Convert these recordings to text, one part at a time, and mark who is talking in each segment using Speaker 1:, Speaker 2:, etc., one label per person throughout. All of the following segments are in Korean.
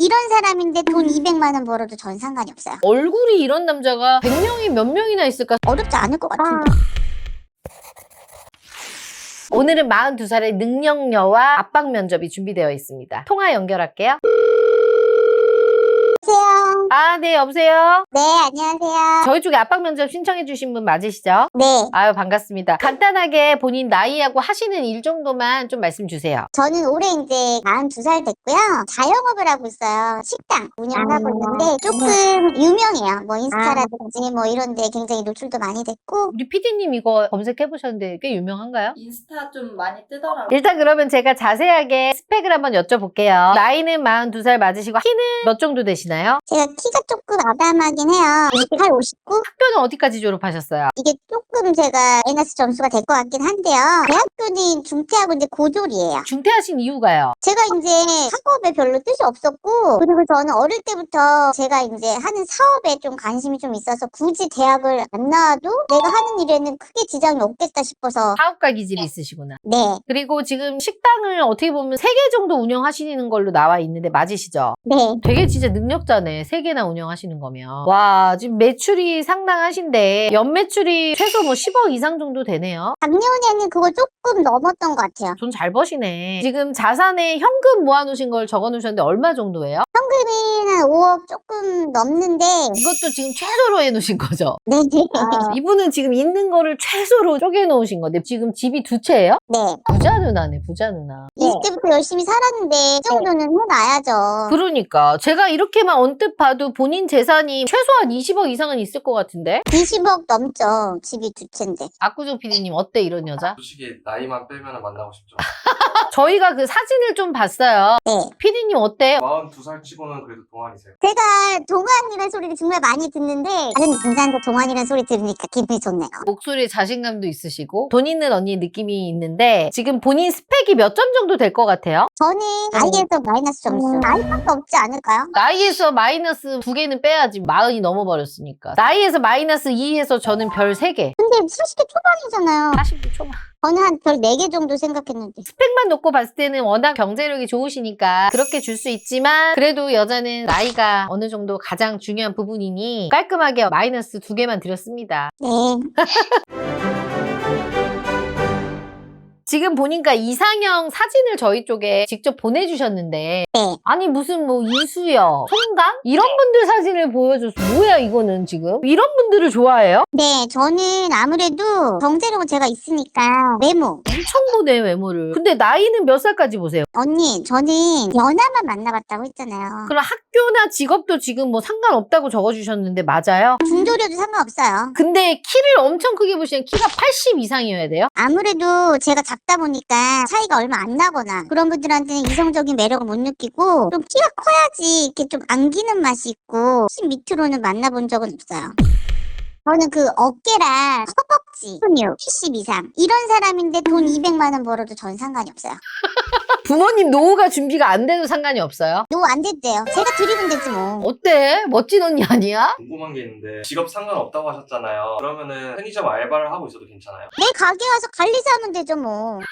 Speaker 1: 이런 사람인데 돈 200만 원 벌어도 전 상관이 없어요.
Speaker 2: 얼굴이 이런 남자가 100명이 몇 명이나 있을까?
Speaker 1: 어렵지 않을 것 같은데.
Speaker 2: 오늘은 42살의 능력녀와 압박 면접이 준비되어 있습니다. 통화 연결할게요.
Speaker 1: 안녕하세요.
Speaker 2: 아, 네, 여보세요?
Speaker 1: 네, 안녕하세요.
Speaker 2: 저희 쪽에 압박 면접 신청해 주신 분 맞으시죠?
Speaker 1: 네,
Speaker 2: 아유, 반갑습니다. 간단하게 본인 나이하고 하시는 일 정도만 좀 말씀 주세요.
Speaker 1: 저는 올해 이제 42살 됐고요. 자영업을 하고 있어요. 식당 운영을 하고 있는데 조금 유명해요. 뭐 인스타라든지 뭐 이런 데 굉장히 노출도 많이 됐고.
Speaker 2: 우리 PD님 이거 검색해 보셨는데 꽤 유명한가요?
Speaker 3: 인스타 좀 많이 뜨더라고요.
Speaker 2: 일단 그러면 제가 자세하게 스펙을 한번 여쭤볼게요. 나이는 42살 맞으시고 키는 몇 정도 되시나요?
Speaker 1: 제가 키가 조금 아담하긴 해요. 28, 59?
Speaker 2: 학교는 어디까지 졸업하셨어요?
Speaker 1: 이게 조금 제가 마이너스 점수가 될 것 같긴 한데요. 대학교는 중퇴하고 이제 고졸이에요.
Speaker 2: 중퇴하신 이유가요?
Speaker 1: 제가 이제 학업에 별로 뜻이 없었고, 그리고 저는 어릴 때부터 제가 이제 하는 사업에 좀 관심이 좀 있어서 굳이 대학을 안 나와도 내가 하는 일에는 크게 지장이 없겠다 싶어서.
Speaker 2: 사업가 기질이 있으시구나.
Speaker 1: 네,
Speaker 2: 그리고 지금 식당을 어떻게 보면 3개 정도 운영하시는 걸로 나와 있는데 맞으시죠?
Speaker 1: 네.
Speaker 2: 되게 진짜 능력자네. 3개나 운영하시는 거면. 와, 지금 매출이 상당하신데 연매출이 최소 뭐 10억 이상 정도 되네요.
Speaker 1: 작년에는 그거 조금 넘었던 것 같아요.
Speaker 2: 돈 잘 버시네. 지금 자산에 현금 모아놓으신 걸 적어놓으셨는데 얼마 정도예요?
Speaker 1: 현금이 한 5억 조금 넘는데,
Speaker 2: 이것도 지금 최소로 해놓으신 거죠?
Speaker 1: 네, 네.
Speaker 2: 이분은 지금 있는 거를 최소로 쪼개놓으신 건데 지금 집이 2채예요?
Speaker 1: 네.
Speaker 2: 부자 누나네, 부자 누나.
Speaker 1: 20대부터 열심히 살았는데, 이 정도는 해놔야죠.
Speaker 2: 그러니까 제가 이렇게만 언뜻 봐도 본인 재산이 최소한 20억 이상은 있을 것 같은데?
Speaker 1: 20억 넘죠. 집이 2채인데.
Speaker 2: 압구정 PD님 어때 이런 여자?
Speaker 4: 솔직히 나이만 빼면 만나고 싶죠.
Speaker 2: 저희가 그 사진을 좀 봤어요.
Speaker 1: 네.
Speaker 2: PD님 어때?
Speaker 4: 42살 치고는 그래도 동안이세요.
Speaker 1: 제가 동안이라는 소리를 정말 많이 듣는데 다른 분자한테 동안이라는 소리 들으니까 기분이 좋네요.
Speaker 2: 목소리에 자신감도 있으시고 돈 있는 언니 느낌이 있는데 지금 본인 스펙이 몇 점 정도 될 것 같아요?
Speaker 1: 저는 나이에서 마이너스 점수. 나이밖에 없지 않을까요?
Speaker 2: 나이에서 마이너스 2개는 빼야지 40이 넘어버렸으니까 나이에서 마이너스 2에서 저는 별 3개
Speaker 1: 근데 40대 초반이잖아요.
Speaker 2: 40대 초반
Speaker 1: 저는 한 별 4개 정도 생각했는데.
Speaker 2: 스펙만 놓고 봤을 때는 워낙 경제력이 좋으시니까 그렇게 줄 수 있지만 그래도 여자는 나이가 어느 정도 가장 중요한 부분이니 깔끔하게 마이너스 2개만 드렸습니다.
Speaker 1: 네.
Speaker 2: 지금 보니까 이상형 사진을 저희 쪽에 직접 보내주셨는데
Speaker 1: 네.
Speaker 2: 아니 무슨 뭐 이수연, 송강? 이런 분들 사진을 보여줘서 뭐야 이거는 지금? 이런 분들을 좋아해요?
Speaker 1: 네, 저는 아무래도 경제력은 제가 있으니까 외모.
Speaker 2: 엄청 보네 외모를. 근데 나이는 몇 살까지 보세요?
Speaker 1: 언니, 저는 연하만 만나봤다고 했잖아요.
Speaker 2: 그럼 학교나 직업도 지금 뭐 상관없다고 적어주셨는데 맞아요?
Speaker 1: 중졸이어도 상관없어요.
Speaker 2: 근데 키를 엄청 크게 보시면 키가 80 이상이어야 돼요?
Speaker 1: 아무래도 제가 작다 보니까 차이가 얼마 안 나거나 그런 분들한테는 이성적인 매력을 못 느끼고 좀 키가 커야지 이렇게 좀 안기는 맛이 있고 10 밑으로는 만나본 적은 없어요. 저는 그 어깨랑 허벅지, 근육 70 이상 이런 사람인데 돈 200만 원 벌어도 전 상관이 없어요.
Speaker 2: 부모님 노후가 준비가 안 돼도 상관이 없어요?
Speaker 1: 노 안 됐대요. 제가 드리면 되지 뭐.
Speaker 2: 어때? 멋진 언니 아니야?
Speaker 4: 궁금한 게 있는데 직업 상관없다고 하셨잖아요. 그러면은 편의점 알바를 하고 있어도 괜찮아요?
Speaker 1: 내 가게 와서 관리사하면 되죠 뭐.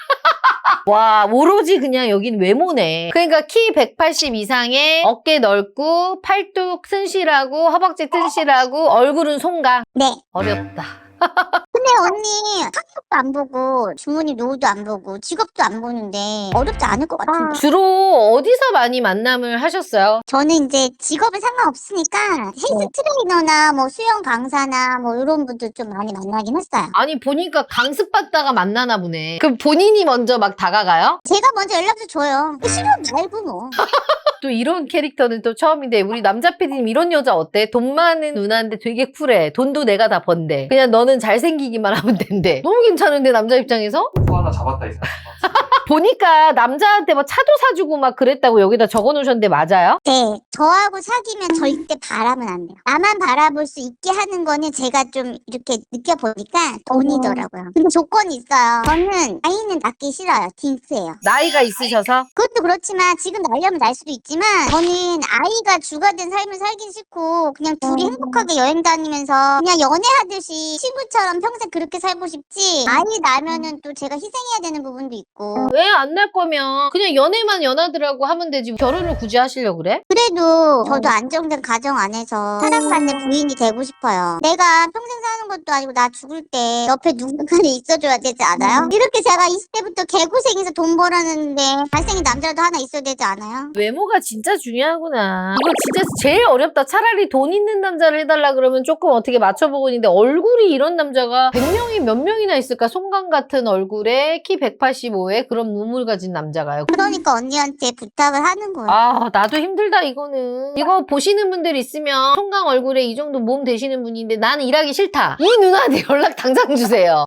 Speaker 2: 와 오로지 그냥 여긴 외모네. 그러니까 키 180 이상에 어깨 넓고 팔뚝 튼실하고 허벅지 튼실하고 얼굴은 송강.
Speaker 1: 네.
Speaker 2: 어렵다.
Speaker 1: 근데 언니 학력도 안 보고 주머니 노후도 안 보고 직업도 안 보는데 어렵지 않을 것 같은데.
Speaker 2: 주로 어디서 많이 만남을 하셨어요?
Speaker 1: 저는 이제 직업에 상관없으니까 헬스 트레이너나 뭐 수영 강사나 뭐 이런 분들 좀 많이 만나긴 했어요.
Speaker 2: 아니 보니까 강습받다가 만나나 보네. 그럼 본인이 먼저 막 다가가요?
Speaker 1: 제가 먼저 연락처 줘요. 싫으면 말고 뭐.
Speaker 2: 또 이런 캐릭터는 또 처음인데 우리 남자 PD님 이런 여자 어때? 돈 많은 누나인데 되게 쿨해. 돈도 내가 다 번대. 그냥 너는 잘생기기만 하면 된대. 너무 괜찮은데 남자 입장에서?
Speaker 4: 또 하나 잡았다 이 생각.
Speaker 2: 보니까 남자한테 뭐 차도 사주고 막 그랬다고 여기다 적어놓으셨는데 맞아요?
Speaker 1: 네, 저하고 사귀면 절대 바라면 안 돼요. 나만 바라볼 수 있게 하는 거는 제가 좀 이렇게 느껴보니까 돈이더라고요. 근데 조건이 있어요. 저는 나이는 낳기 싫어요. 딩크예요.
Speaker 2: 나이가 있으셔서?
Speaker 1: 그것도 그렇지만 지금 날려면 날 수도 있지만 저는 아이가 주가 된 삶을 살긴 싫고 그냥 둘이 행복하게 여행 다니면서 그냥 연애하듯이 친구처럼 평생 그렇게 살고 싶지 아이 낳으면은 또 제가 희생해야 되는 부분도 있고
Speaker 2: 애 안 낳을 거면 그냥 연애만 연하더라고 하면 되지. 결혼을 굳이 하시려고 그래?
Speaker 1: 그래도 저도 안정된 가정 안에서 사랑받는 부인이 되고 싶어요. 내가 평생 사는 것도 아니고 나 죽을 때 옆에 누군가는 있어줘야 되지 않아요? 이렇게 제가 20대부터 개고생해서 돈 벌었는데 잘생긴 남자라도 하나 있어야 되지 않아요?
Speaker 2: 외모가 진짜 중요하구나. 이거 진짜 제일 어렵다. 차라리 돈 있는 남자를 해달라 그러면 조금 어떻게 맞춰보고 있는데 얼굴이 이런 남자가 100명이 몇 명이나 있을까? 송강 같은 얼굴에 키 185에 그런 무물 가진 남자가요.
Speaker 1: 그러니까 언니한테 부탁을 하는 거예요.
Speaker 2: 아, 나도 힘들다, 이거는. 이거 보시는 분들 있으면 송강 얼굴에 이 정도 몸 되시는 분인데 나는 일하기 싫다. 이 누나한테 연락 당장 주세요.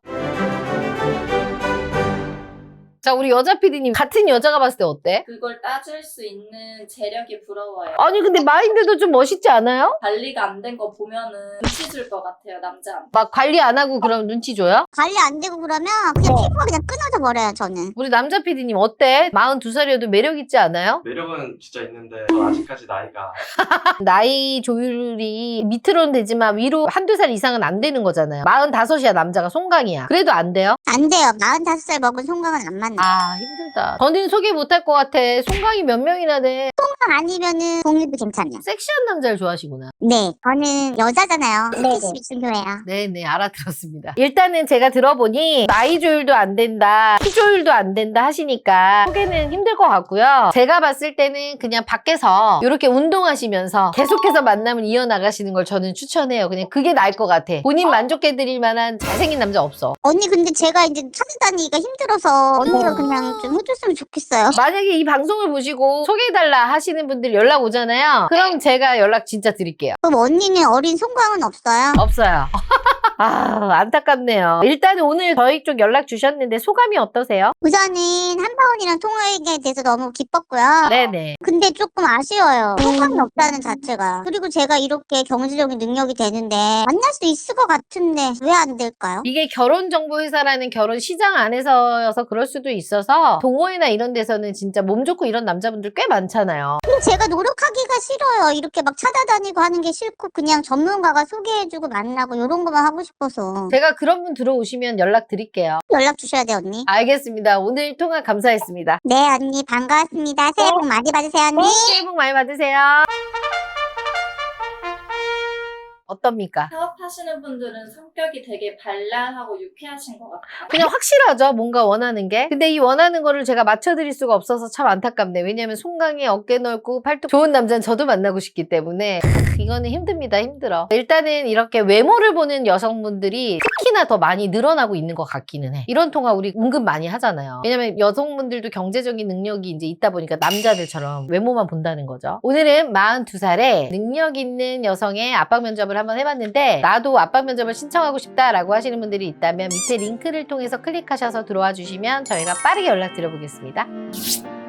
Speaker 2: 자, 우리 여자 PD님 같은 여자가 봤을 때 어때?
Speaker 3: 그걸 따질 수 있는 재력이 부러워요.
Speaker 2: 아니 근데 마인드도 좀 멋있지 않아요?
Speaker 3: 관리가 안 된 거 보면은 눈치 줄 것 같아요, 남자한테.
Speaker 2: 막 관리 안 하고 그럼 눈치 줘요?
Speaker 1: 관리 안 되고 그러면 그냥 피부가 그냥 끊어져 버려요, 저는.
Speaker 2: 우리 남자 PD님 어때? 42살이어도 매력 있지 않아요?
Speaker 4: 매력은 진짜 있는데 저 아직까지 나이가
Speaker 2: 나이 조율이 밑으로는 되지만 위로 한두 살 이상은 안 되는 거잖아요. 45이야 남자가 송강이야. 그래도 안 돼요?
Speaker 1: 안 돼요. 45살 먹은 송강은 안 만나.
Speaker 2: 아 힘들다. 저는 소개 못할 것 같아. 송강이 몇 명이나 돼.
Speaker 1: 송강 아니면은 동일도 괜찮아요.
Speaker 2: 섹시한 남자를 좋아하시구나.
Speaker 1: 네, 저는 여자잖아요. 스킨십이 중요해요.
Speaker 2: 네네 알아들었습니다. 일단은 제가 들어보니 나이 조율도 안 된다, 키 조율도 안 된다 하시니까 소개는 힘들 것 같고요. 제가 봤을 때는 그냥 밖에서 이렇게 운동하시면서 계속해서 만남을 이어나가시는 걸 저는 추천해요. 그냥 그게 나을 것 같아. 본인 만족해드릴 만한 잘생긴 남자 없어.
Speaker 1: 언니 근데 제가 이제 찾아다니기가 힘들어서 언니가 그냥 좀 해줬으면 좋겠어요.
Speaker 2: 만약에 이 방송을 보시고 소개해달라 하시는 분들 연락 오잖아요. 그럼 제가 연락 진짜 드릴게요.
Speaker 1: 그럼 언니는 어린 송강은 없어요?
Speaker 2: 없어요. 아 안타깝네요. 일단 오늘 저희 쪽 연락 주셨는데 소감이 어떠세요?
Speaker 1: 우선은 한바원이랑 통화에 대해서 너무 기뻤고요.
Speaker 2: 네네.
Speaker 1: 근데 조금 아쉬워요. 송강이 없다는 자체가. 그리고 제가 이렇게 경제적인 능력이 되는데 만날 수 있을 것 같은데 왜 안 될까요?
Speaker 2: 이게 결혼정보회사라는 결혼 시장 안에서여서 그럴 수도 있어서 동호회나 이런 데서는 진짜 몸 좋고 이런 남자분들 꽤 많잖아요.
Speaker 1: 근데 제가 노력하기가 싫어요. 이렇게 막 찾아다니고 하는 게 싫고 그냥 전문가가 소개해주고 만나고 이런 거만 하고 싶어서.
Speaker 2: 제가 그런 분 들어오시면 연락 드릴게요.
Speaker 1: 연락 주셔야 돼, 언니.
Speaker 2: 알겠습니다. 오늘 통화 감사했습니다.
Speaker 1: 네, 언니 반가웠습니다. 새해 복 많이 받으세요, 언니.
Speaker 2: 새해 복 많이 받으세요. 어떻습니까?
Speaker 3: 사업하시는 분들은 성격이 되게 발랄하고 유쾌하신 것 같아요.
Speaker 2: 그냥 확실하죠. 뭔가 원하는 게. 근데 이 원하는 거를 제가 맞춰드릴 수가 없어서 참 안타깝네. 왜냐면 송강이 어깨 넓고 팔뚝 좋은 남자는 저도 만나고 싶기 때문에 이거는 힘듭니다. 힘들어. 일단은 이렇게 외모를 보는 여성분들이 특히나 더 많이 늘어나고 있는 것 같기는 해. 이런 통화 우리 은근 많이 하잖아요. 왜냐면 여성분들도 경제적인 능력이 이제 있다 보니까 남자들처럼 외모만 본다는 거죠. 오늘은 42살에 능력 있는 여성의 압박 면접을 한번 해봤는데 나도 압박 면접을 신청하고 싶다라고 하시는 분들이 있다면 밑에 링크를 통해서 클릭하셔서 들어와 주시면 저희가 빠르게 연락드려 보겠습니다.